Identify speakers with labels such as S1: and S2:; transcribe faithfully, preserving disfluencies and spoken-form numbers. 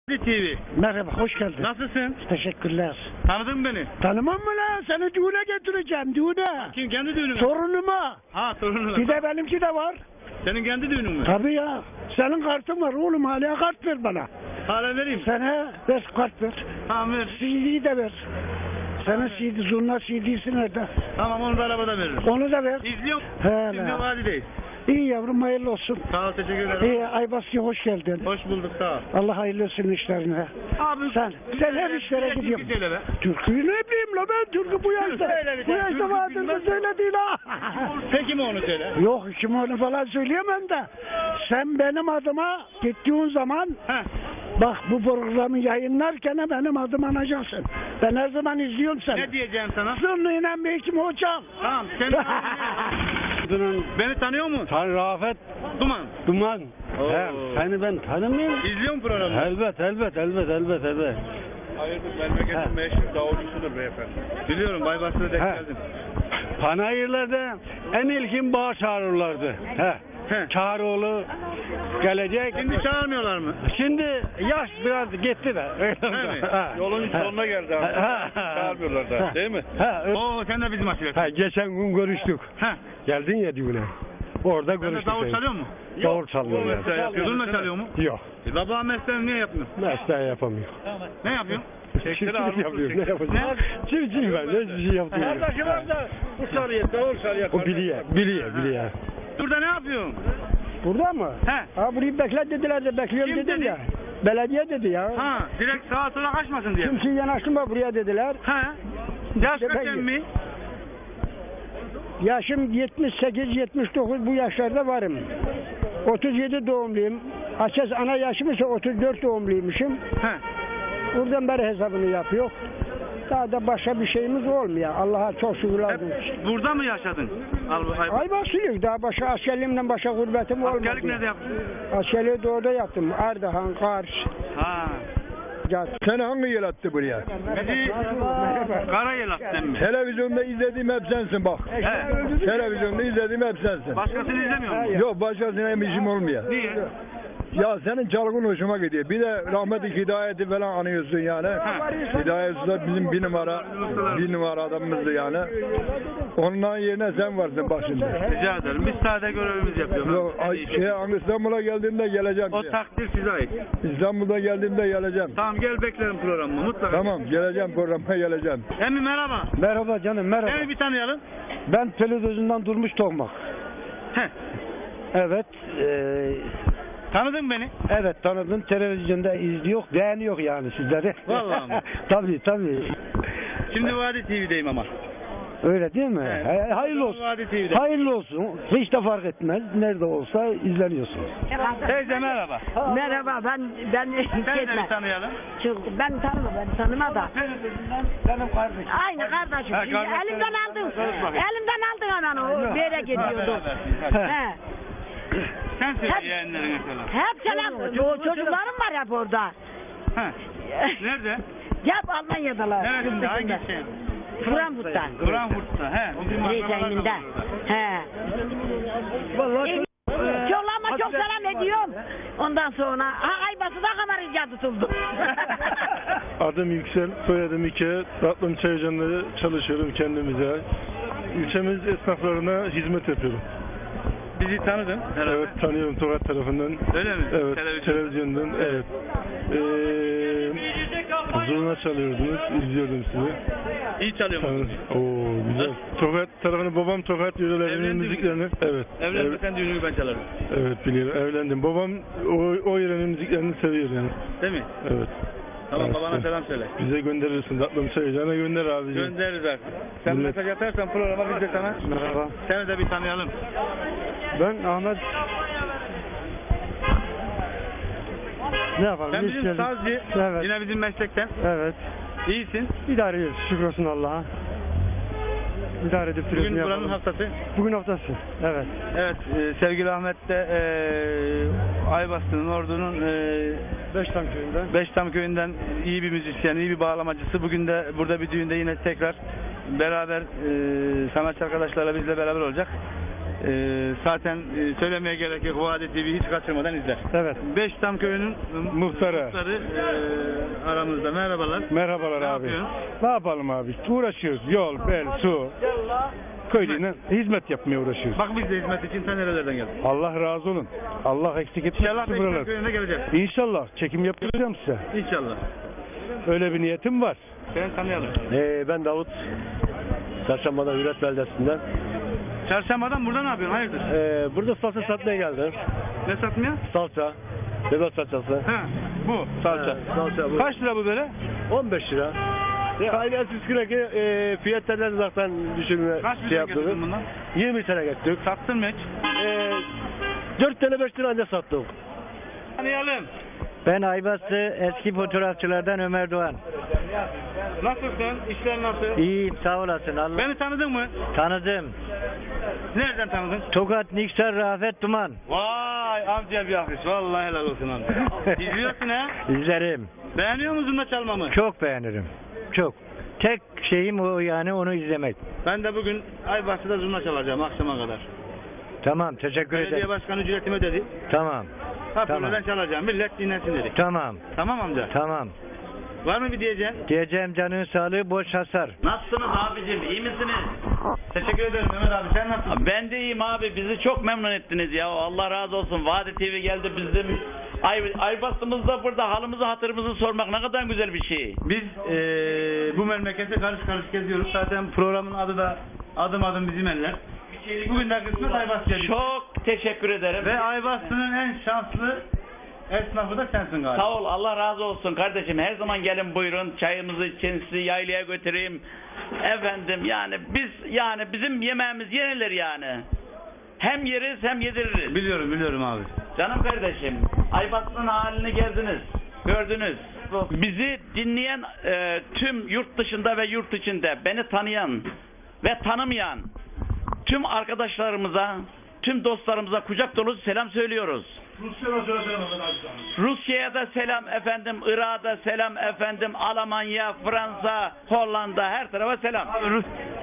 S1: T V.
S2: Merhaba, hoş geldin.
S1: Nasılsın?
S2: Teşekkürler.
S1: Tanıdın mı beni?
S2: Tanımam mı lan? Seni düğüne getireceğim, düğüne.
S1: Kim? Kendi düğünün mü?
S2: Torunuma.
S1: Ha, torununa.
S2: Bir de benimki de var.
S1: Senin kendi düğünün mü?
S2: Tabii ya. Senin kartın var oğlum, hala kart ver bana.
S1: Hala vereyim.
S2: Sana ver, kart ver.
S1: Tamam ver.
S2: C D'yi de ver. Senin C D, zurna C D'si nerede?
S1: Tamam, onu da arabada veririm.
S2: Onu da ver.
S1: İzliyorum.
S2: He
S1: Şimdi
S2: lan.
S1: vadideyiz.
S2: İyi yavrum, hayırlı olsun.
S1: Sağ ol, teşekkür ederim.
S2: İyi, Aybasya hoş geldin.
S1: Hoş bulduk, sağ ol.
S2: Allah hayırlı olsun işlerine.
S1: Abi
S2: Sen, sen her işlere
S1: türkü
S2: gidiyorsun.
S1: söyle be.
S2: Türküyü ne bileyim la ben, türkü bu yaşta.
S1: Söyle bir
S2: Bu
S1: tane,
S2: yaşta
S1: türkü
S2: vardır
S1: bilmez.
S2: mı söyle değil ha.
S1: Peki mi onu söyle?
S2: Yok, kim onu falan söyleyemem de. Sen benim adıma gittiğin zaman
S1: Heh.
S2: bak, bu programı yayınlarken benim adım anacaksın. Ben her zaman izliyorum seni.
S1: Ne diyeceğim sana?
S2: Zırnıyla Beykim hocam.
S1: Tamam, sen beni tanıyor musun?
S3: Tan Rafet
S1: Duman.
S3: Duman.
S1: Oo.
S3: He, seni ben tanımıyorum.
S1: İzliyor musun programı?
S3: Elbet, elbet, elbet, elbet, elbet.
S1: Hayırdır, memleketin meşhur davulcusudur beyefendi. Biliyorum, Baybarsı'na denk
S3: He.
S1: geldim.
S3: Panayırlarda en ilkin bağ çağırırlardı. He.
S1: He.
S3: Çağrıoğlu gelecek.
S1: Şimdi çağırmıyorlar mı?
S3: Şimdi yaş biraz gitti de.
S1: He mi? Yolun sonuna geldi abi. Çağırmıyorlar da, değil mi?
S3: He.
S1: Oo, sen de bizim aşiret.
S3: He, geçen gün görüştük.
S1: He.
S3: Geldin ya düğüne. Orada
S1: Sen de
S3: görüştük.
S1: davul
S3: seni.
S1: çalıyor mu?
S3: Davul çalıyor yani.
S1: Mesleği yapıyor. Zurna çalıyor mu?
S3: Yok.
S1: E, baba mesleğini niye yapmıyor?
S3: Mesleği yapamıyor.
S1: Ne yapıyorsun?
S3: Çiftçilik yapıyor. Ne yapacağım? Çiftçiyim ben. Hiçbir şey yapmıyorum.
S1: Bu çalıyor, davul çalıyor.
S3: O biliyor. Biliyor. Biliyor.
S1: Burada ne yapıyorsun?
S2: Burada mı?
S1: He.
S2: Ha, burayı bekle dediler de bekliyorum
S1: Kim
S2: dedim
S1: dedi?
S2: ya. Belediye dedi ya.
S1: Ha, direkt sağa sola kaçmasın diye.
S2: Kimse yanaştırma buraya dediler.
S1: He. Yaş
S2: İşte
S1: kaç
S2: ben-
S1: emmi?
S2: Yaşım yetmiş sekiz yetmiş dokuz, bu yaşlarda varım. otuz yedi doğumluyum. Açız ana yaşım ise otuz dört doğumluymuşum.
S1: He.
S2: Buradan beri hesabını yapıyor. Daha da başka bir şeyimiz olmuyor. Allah'a çok şükürler
S1: Hep
S2: olsun.
S1: burada mı yaşadın? Al, ay,
S2: Ay basılıyor. Daha başka askerliğimden başka gurbetim olmadı.
S1: askerlik nerede yaptın?
S2: Askerliği de orada yaptım. Ardahan, Kars.
S1: Ha.
S4: Seni hangi yıl attı buraya?
S1: Bizi Karayel attın mı?
S4: Televizyonda izlediğim hep sensin bak.
S1: He.
S4: Televizyonda izlediğim hep sensin.
S1: Başkasını izlemiyor musun?
S4: Yok başkasına hem işim olmuyor.
S1: Niye?
S4: Ya senin çalgın hoşuma gidiyor. Bir de rahmetli Hidayet'i falan anıyorsun yani. Hidayet Usta bizim bir numara, bir numara adamımızdı yani. Ondan yerine sen varsın bak şimdi.
S1: Rica ederim. Biz sade görevimizi yapıyoruz.
S4: Yok, ay, şey, İstanbul'a geldiğimde geleceğim.
S1: O takdir size ait.
S4: İstanbul'da geldiğimde geleceğim.
S1: Tamam, gel beklerim programımı mutlaka.
S4: Tamam geleceğim programa geleceğim.
S1: Emmi merhaba.
S2: Merhaba canım, merhaba.
S1: Seni bir tanıyalım.
S2: Ben televizyondan Durmuş Tokmak.
S1: Heh.
S2: Evet. eee
S1: Tanıdın mı beni?
S2: Evet, tanıdım. Televizyonda izliyor, beğeniyor yani sizleri.
S1: Vallahi mi?
S2: Tabii tabii.
S1: Şimdi Vadi T V'deyim ama.
S2: Öyle değil mi?
S1: Evet.
S2: He, hayırlı olsun.
S1: Vadi T V'de.
S2: Hayırlı olsun. Hiç de fark etmez. Nerede olsa izleniyorsun.
S1: Teyze merhaba.
S5: Merhaba, ben ben
S1: Seni de
S5: Ketme.
S1: bir tanıyalım.
S5: Çok, ben tanımam, ben tanıma da.
S2: Benim kardeşim.
S5: Aynı kardeşim.
S1: Ha,
S5: Şimdi
S1: kardeşim.
S5: elimden aldın.
S1: Konuş bakayım.
S5: Elimden aldın hemen o bir yere gidiyordu.
S1: He.
S5: He.
S1: Sen söyle
S5: Hep-
S1: yeğenlerine selam.
S5: Hep selam. O çocuklarım var hep orada.
S1: He. Nerede?
S5: Hep Almanya'dalar.
S1: Neresinde?
S5: yurt
S1: Hangi
S5: dışında.
S1: şey?
S5: Frankfurt'ta.
S1: Frankfurt'ta. He. Bizim akrabalar da
S5: Reysen'inde.
S1: var orada.
S5: He.
S2: Vallahi
S5: Çok çok selam ediyorum. Ondan sonra ha Aybası da kamar icat tutuldu.
S6: Adım Yüksel, soyadım İke. Ratlım Çaycan'da çalışıyorum kendimize. İlçemiz esnaflarına hizmet yapıyorum.
S1: Bizi tanıdın herhalde.
S6: Evet, tanıyorum Tokat tarafından.
S1: Öyle mi?
S6: Evet,
S1: Televizyon.
S6: televizyondan, evet. Ee, zurna çalıyordunuz, izliyordum sizi.
S1: İyi çalıyor musun?
S6: Tanı- Oo, güzel. Tokat tarafını, babam Tokat yörelerinin
S1: Evlendin mi?
S6: müziklerini. Evet.
S1: Evlenme
S6: evet,
S1: sen düğünü ben çalarım.
S6: evet biliyorum, evlendim. Babam o, o yörenin müziklerini seviyor yani.
S1: Değil mi?
S6: Evet.
S1: Tamam,
S6: Evet.
S1: babana selam söyle.
S6: Bize gönderirsin, Ratlım Çaycan'a gönder abicim.
S1: Göndeririz artık. Sen
S6: Millet-
S1: mesaj atarsan programa biz de sana.
S6: Merhaba.
S1: Seni de bir tanıyalım.
S6: Ben Ahmet. Ne yapalım?
S1: Sen
S6: Biz
S1: bizim
S6: geldik.
S1: sazcı.
S6: Evet.
S1: Yine bizim meslekten.
S6: Evet.
S1: İyisin.
S6: İdare ediyoruz. Şükür olsun Allah'a. İdare edip duruyoruz.
S1: Bugün
S6: ne
S1: buranın
S6: yapalım?
S1: haftası.
S6: Bugün haftası. Evet.
S1: Evet, e, sevgili Ahmet de e, Aybastı'nın, Ordu'nun e,
S6: Beştam köyünden.
S1: Beştam köyünden iyi bir müzisyen, iyi bir bağlamacısı. Bugün de burada bir düğünde yine tekrar beraber e, sanatçı arkadaşlarla bizle beraber olacak. Ee, zaten e, söylemeye gerek yok. Vadi T V hiç kaçırmadan izler.
S6: Evet.
S1: Beştam köyünün
S6: Muhtarı.
S1: muhtarı e, aramızda. Merhabalar.
S6: Merhabalar
S1: Ne
S6: abi.
S1: yapıyorsun?
S6: Ne yapalım abi? Uğraşıyoruz. Yol, bel, su. Köylüne hizmet yapmaya uğraşıyoruz.
S1: Bak biz de hizmet için ta nerelerden geldik.
S6: Allah razı olun. Allah eksik
S1: İnşallah
S6: etmesin
S1: Beştam
S6: buralar.
S1: köyüne geleceğiz.
S6: İnşallah çekim yapacağım size.
S1: İnşallah.
S6: Öyle bir niyetim var.
S1: Ben tanıyalım.
S3: Ee, ben Davut. Çarşamba'da Hürriyet Beldesi'nden.
S1: Çarşambadan burada ne yapıyorsun? Hayırdır?
S3: Ee, burada salça satmaya geldim.
S1: Ne satmıyor?
S3: Salça. Bebek salçası.
S1: Ha, bu salça.
S3: He, salça bu.
S1: Kaç lira bu böyle?
S3: on beş lira. Ya, aynen siz ki e, fiyatlardan zaten düşünme
S1: Kaç
S3: şey
S1: lira
S3: yaptık.
S1: getirdin bundan?
S3: yirmi sene gettik.
S1: Sattın mı hiç?
S3: Ee, dört tane beş lira anca sattık.
S1: Tanıyalım.
S7: Ben Aybastı eski fotoğrafçılardan Ömer Doğan.
S1: Nasılsın? İşler nasıl?
S7: İyiyim sağ olasın. Allah
S1: Beni tanıdın mı?
S7: tanıdım.
S1: Nereden tanıdın?
S7: Tokat Niksar Rafet Duman.
S1: Vay amca bir alkış. Vallahi helal olsun amca. İzliyorsun ha?
S7: İzlerim.
S1: Beğeniyor musun da çalmamı?
S7: Çok beğenirim. Çok. Tek şeyim o yani onu izlemek.
S1: Ben de bugün Aybastı'da zurna çalacağım akşama kadar.
S7: Tamam teşekkür
S1: Belediye
S7: ederim.
S1: başkanı ücretimi ödedi.
S7: Tamam.
S1: Hoparlörden
S7: Tamam.
S1: çalacağım. Millet dinlesin dedik.
S7: Tamam.
S1: Tamam amca.
S7: Tamam.
S1: Var mı bir diyeceğin?
S7: Diyeceğim canın sağlığı boş hasar.
S8: Nasılsınız abicim? İyi misiniz?
S1: Teşekkür ederim Mehmet abi. Sen nasılsın?
S8: Ben de iyiyim abi. Bizi çok memnun ettiniz ya. Allah razı olsun. Vadi T V geldi bizim. Ay, Aybastığımızda burada halımızı hatırımızı sormak ne kadar güzel bir şey.
S1: Biz eee bu memlekete karış karış geziyoruz. Zaten programın adı da Adım Adım Bizim Eller. Bugün de kısmet Aybastı'ya düştü.
S8: Çok teşekkür ederim.
S1: Ve Aybastı'nın en şanslı esnafı da sensin galiba.
S8: Sağ ol. Allah razı olsun kardeşim. Her zaman gelin buyurun. Çayımızı için sizi yaylaya götüreyim. Efendim yani biz yani bizim yemeğimiz yenilir yani. Hem yeriz hem yediririz.
S1: Biliyorum biliyorum abi.
S8: Canım kardeşim, Aybastı'nın halini gezdiniz, gördünüz. Bizi dinleyen e, tüm yurt dışında ve yurt içinde beni tanıyan ve tanımayan tüm arkadaşlarımıza, tüm dostlarımıza kucak dolusu selam söylüyoruz. Rusya'ya da selam efendim, Irak'a da selam efendim, Almanya, Fransa, Hollanda her tarafa selam.
S1: Abi Rus,